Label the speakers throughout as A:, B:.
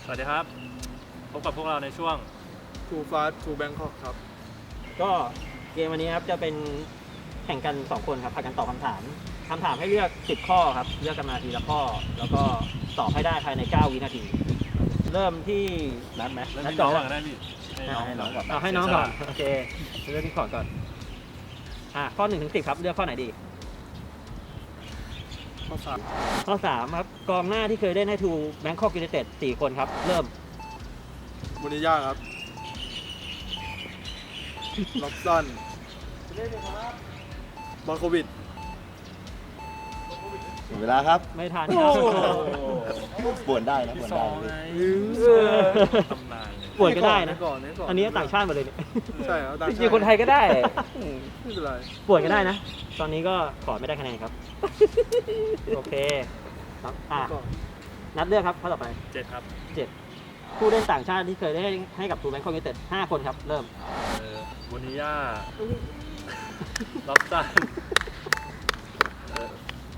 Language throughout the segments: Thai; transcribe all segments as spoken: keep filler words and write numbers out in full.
A: สวัสดีครับพบกับพวกเราในช่วง
B: Too Fast to Bangkok ครับ
C: ก็เกมวันนี้ครับจะเป็นแข่งกันสองคนครับพากันตอบคำถามคำถามให้เลือกสิบข้อครับเลือกกันมาทีละข้อแล้วก็ตอบให้ได้ภายในเก้าวินาที เริ่มที่นัดไหม
A: เริ่ม
C: นัด
A: ที่
C: ก่
A: น้
C: อ
A: อง
C: น
A: ก่อนก็ได้พี่ให้น้องก่อน
C: เอาให้น้องก่อนโอเคเลือกที่ก่อนก่อนอ่ะข้อหนึ่งถึงสิบครับเลือกข้อไหนดี
B: ข้อสาม
C: ข้อสามครับกองหน้าที่เคยเล่นให้ทูแบงคอกยูไนเต็ดสี่คนครับเริ่ม
B: บุนิย่าครับล็อบสันบอลโควิด
D: หมดเวลาครับ
C: ไม่ทัน
D: ปวนได้นะปวน
A: ส
D: ได้
A: อง
D: เล
A: ไง
D: ย
A: ตำนานเลย
C: ป่วยก็ได้นะ
B: ก่อนก่อน
C: อันนี้ต่างชาติหมดเลยเนี่ย
B: ใช่ครับต่าง
C: จ
B: ชาติ
C: ริงๆคนไทยก็ได้
B: ไม่เป็นไร
C: ป่วยก็ได้นะ ตอนนี้ก็ขอไม่ได้คะแนนครับ โอเคครับอ่ะ
B: ก่อน
C: นัดเลือกครับข้อต่อไป
A: เจ็ดครับ
C: เจ็ดผู้เล่นต่างชาติที่เคยได้ให้กับทูแบงคอกยูไนเต็ดห้าคนครับ เริ่ม
A: เออบุนิย่าล็อบสันเออ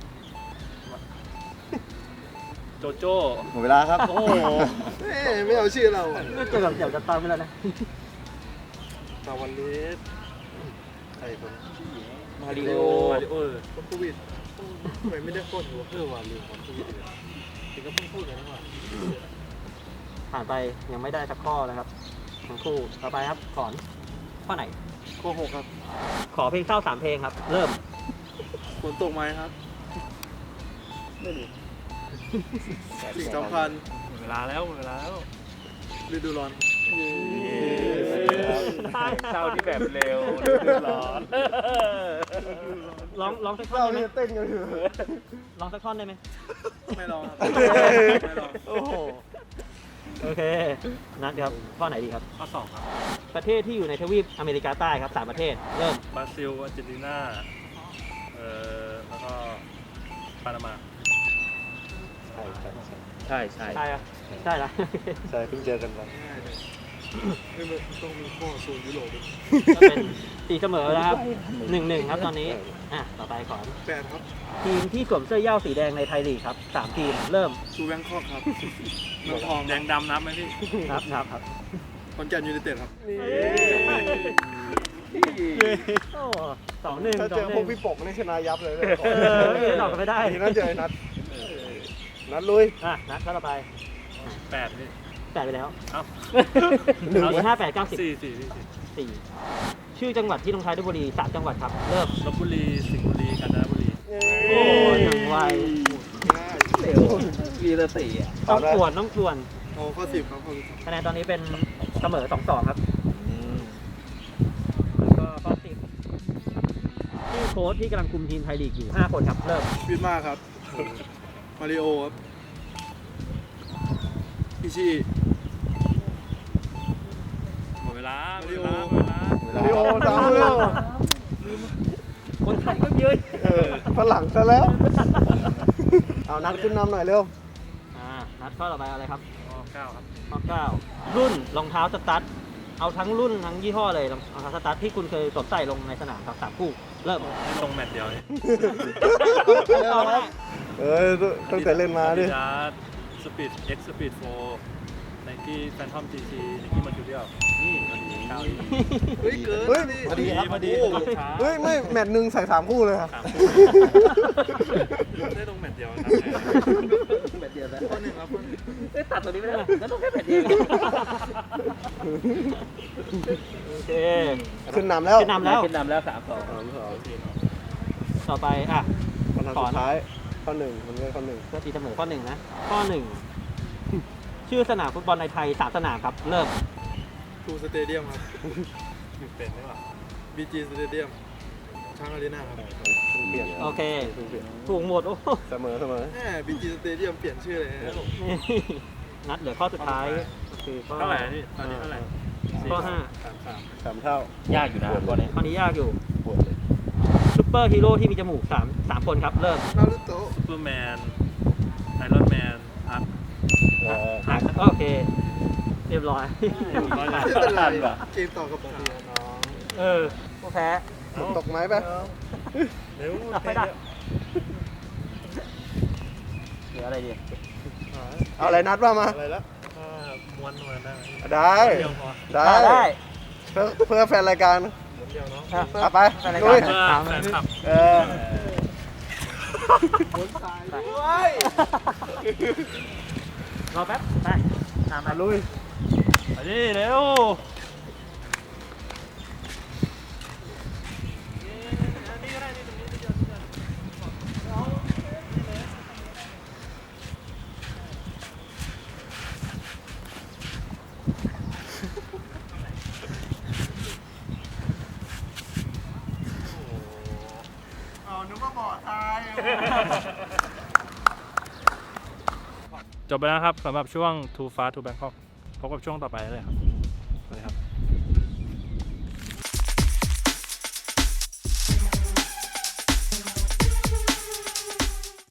A: โจโจ้
D: หมดเวลาครับ
A: โอ้โห
B: เอ้ยไม่เอาชื่อเรา
C: ก็เจอกับเดี๋ยวจะตามไปแล้วนะ
B: ตาวันเลสใครคน
C: มาริโอ
A: มาริโอบ
B: อลโควิดทำไมไม่ได้โคตรหัวเพื่อวาลืมบอลโควิดเลยถึงก็เพิ่งพูดกันนะว่า
C: ผ่านไปยังไม่ได้สักข้อนะครับทั้งคู่ต่อไปครับขอนข้อไหน
B: ข้อหกครับ
C: ขอเพลงเศร้าสามเพลงครับ เริ่ม
B: ฝนตกไหมครับไม่รู้สิ่งสำคัญ
A: หมดเวลาแล้วหมดเวลาแล้ว
B: ฤดูร้อน
A: เศร้าที่แบบเร็วร้อน
C: ร้องร้องสักท่อนได้ไหม
B: เต้นกันอยู่
C: ร้องสักท่อนได้ไหม
B: ไม่ลองครับไม่ลอง
C: โอ้โหโอเคนัดครับข้อไหนดีครับ
A: ข้อสองครับ
C: ประเทศที่อยู่ในทวีปอเมริกาใต้ครับสามประเทศเริ่ม
A: บราซิลอาร์เจนตินาเอ่อแล้วก็ปานามา
D: ใช่ใช่
C: ใช่อะใช่ละ
D: ใช่เพิ่งเจอกันมา
B: ง่ายเลยไม่เหมือนต้องมีข้อโซนยุโรปด้วย
C: ก็เป็นตีเสมอแล้วครับหนึ่งหนึ่งครับตอนนี้อ่ะต่อไปขอน
B: แปดครับ
C: ทีมที่สวมเสื้อเหย้าสีแดงในไทยลีกครับสามทีมเริ่ม
B: ทูแบงคอกครับเมืองทอง
A: แดงดำนับไหมพี่
C: ครับครับครับ
B: คอนแก่นยูไนเต็ดครับ
C: โอ้สองหนึ่ง
D: ถ้า
C: สอ
D: เจอง
C: ห
D: พว
C: นึ่
D: ก
C: ง
D: พี่ปกนี่ชนะยับเลย
C: เออไม่ได้ตอบกันไม่ได้
D: ทีนั้นเจอไอ้นัดนัดลุย
C: อ่ะนัดข้อต่อไป
A: แปดพี่
C: แปดไปแล้ว
A: เอ้า
C: เอาห้าแปดเก้าสิบ
A: สี่สี่สี่สี่
C: สี่ชื่อจังหวัดที่ลงท้ายด้วยบุรีสามจังหวัดครับ เริ่ม
A: ลบบุรีสิงห์บุรีกาญจนบุรี
C: โอ้ยอย่างไว
D: เร็วมีแต่สี่อ่ะ
C: ต้องส่วนต้องส่วน
B: โอ้ข้อสิบครับข้อสิบ
C: คะแนนตอนนี้เป็นเสมอสองสองครับแล้วก็ข้อสิบชื่อโค้ชที่กำลังคุมทีมไทยลีกอยู่ห้าคนครับ เริ่ม
B: วินมาครับ มาริโอครับอิชิ
A: หมดเวลาหมด
B: มาริ
A: เว
B: โอ
A: ลาหมดเวลา
D: มาริโอสามเร็ว
C: คนไทยก็เยอะ
D: เออฝรั่งซะแล้ว เอานัดขึ้นนำหน่อยเร็ว
C: อ่านัดข้อต่อไปอะไรครับ
A: ข้อเก้าครับ
C: ข้อเก้ารุ่นรองเท้าสตั๊ดเอาทั้งรุ่นทั้งยี่ห้อเลยรองเท้าสตั๊ดที่คุณเคยสวมใส่ลงในสนามครับสามคู่เริ่ม
A: ให้ลงแมตช์เดียวนี่
C: ต่อมา
D: เออตั้งแต่เล่นมาดิ
A: อาดิดาสสปีดเอ็กซ์สปีดโฟไนกี้แฟนทอมจีซีไนกี้มาจูเรียลนี่พอดีเก้าอีก
B: เฮ้ยเกิน
D: เฮ้ย
B: นี่
D: พอดีครับ
A: พอดี
D: โอ้
A: พอดีช้า
D: เฮ้ยไม่แมตช์หนึ่งใส่สามคู่เลยครับ
A: สามคู่ได้ลงแมตช์เดียวครับ
C: แบบเดียวแล้ว
B: ข้อหนึ่งครับข้อหนึ่ง
C: เอ้ยตัดตัวนี้ไม่ได้เลยแล้วต้องแค่แบบเดียวโอเค
D: ขึ้นนำแล้ว
C: ขึ้นนำแล้วขึ้นนำแล้วสามสอง
D: สามสอง
C: ต่อไปอ่ะ
D: คำถามสุดท้ายข้อหนึ่งมันเป็นข้อหนึ่ง
C: ก็ตีเสมอข้อหนึ่งนะข้อหนึ่งชื่อสนามฟุตบอลในไทยสามสนามครับ เริ่ม
B: ทูสเตเดียมครับ
A: เป็นได้ป่ะ
B: บีจีสเตเดียมช้างอารีนาครับ
D: เพิ่งเปลี่ยน
C: โอเค
D: เพิ่งเปลี่ยน
C: ถูกหมดโอ้โห
D: เสมอเสมอ
B: แหมบีจีสเตเดียมเปลี่ยนชื่อเลยนะ
C: นี่นัดเหลือข้อสุดท้ายก็คือข้อ
A: เท่าไหร่พี่ตอนนี้เท่าไหร่
C: ข้อห้า
A: สามสาม
D: สามเท่าย
C: ากอยู่นะข้อนี้ข้อนี้ยากอยู่
D: ปวดเลย
C: ซุปเปอร์ฮีโร่ที่มีจมูกสามสามคนครับ เริ่ม
B: นารูโตะ
A: ซูเปอร์แมนไอรอนแมนอัพ
D: เออ
C: อ่ะโอเค เรียบร้อย
A: ร้อย
B: ไม่
A: ล้าน
B: เป็นไรเกมต่อกับผมดีน้อง
C: เออผู้แพ้
D: ฝนตกไหมปะ
A: เร็ว
C: เอาไม่ได้เหลืออะไรดี
D: เอาอะไรนัดว่ามา
B: อะไรแล้ว
A: อ่าม้วนม้วนได้ไหม
D: ได้
A: เดียวพอ
D: ได้
C: ได้
D: เพื่อเพื่อแฟนรายการ
A: ม้วนเดียวเนาะ
C: อ่ะเพื่อ
D: เอาไป
C: แฟนราย
D: ลุ
C: การ
D: ย
A: เพื่อแฟนคลับ
D: เออ
C: รอแป๊บ ไป ตามมา
D: ลุย
A: ไปดิเร็ว
D: เอานึกว่าบ่อทราย
A: จบไปแล้วครับสำหรับช่วง Too Fast to Bangkok พบกับช่วงต่อไปเลยครับ